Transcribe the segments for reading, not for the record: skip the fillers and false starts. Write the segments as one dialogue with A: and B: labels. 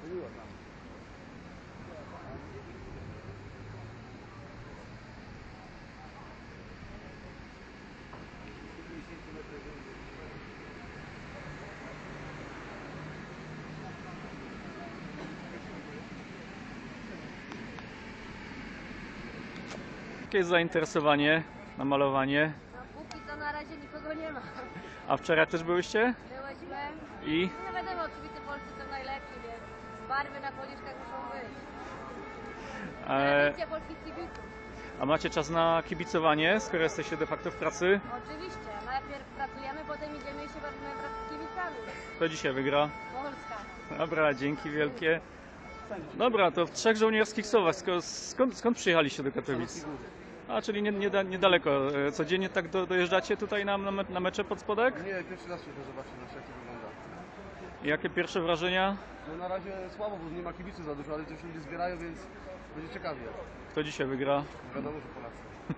A: Jakie jest zainteresowanie na malowanie?
B: No póki co na razie nikogo nie ma.
A: A wczoraj też byłyście?
B: Byłyśmy.
A: I?
B: No wiadomo, oczywiście Polscy są najlepsi, więc barwy na policzkach muszą być. Tradycja polskich kibiców.
A: A macie czas na kibicowanie, skoro jesteście de facto w pracy?
B: Oczywiście. Najpierw pracujemy, potem idziemy i się bawimy wraz z kibicami.
A: Kto dzisiaj wygra?
B: Polska.
A: Dobra, dzięki wielkie. Dobra, to w Trzech Żołnierskich Słowach. Skąd przyjechaliście do Katowic? A, czyli niedaleko. Codziennie tak dojeżdżacie tutaj na mecze pod spodek?
C: Nie, pierwszy raz przyjdę zobaczyć, jak to wygląda.
A: I jakie pierwsze wrażenia?
C: No na razie słabo, bo nie ma kibiców za dużo, ale też ludzie zbierają, więc będzie ciekawie.
A: Kto dzisiaj wygra?
C: Wiadomo, że Polacy.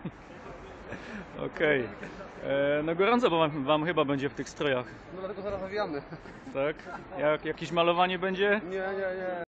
A: Okej. No gorąco, bo wam chyba będzie w tych strojach,
C: No dlatego zaraz nawijamy.
A: tak? Jakieś malowanie będzie?
C: Nie.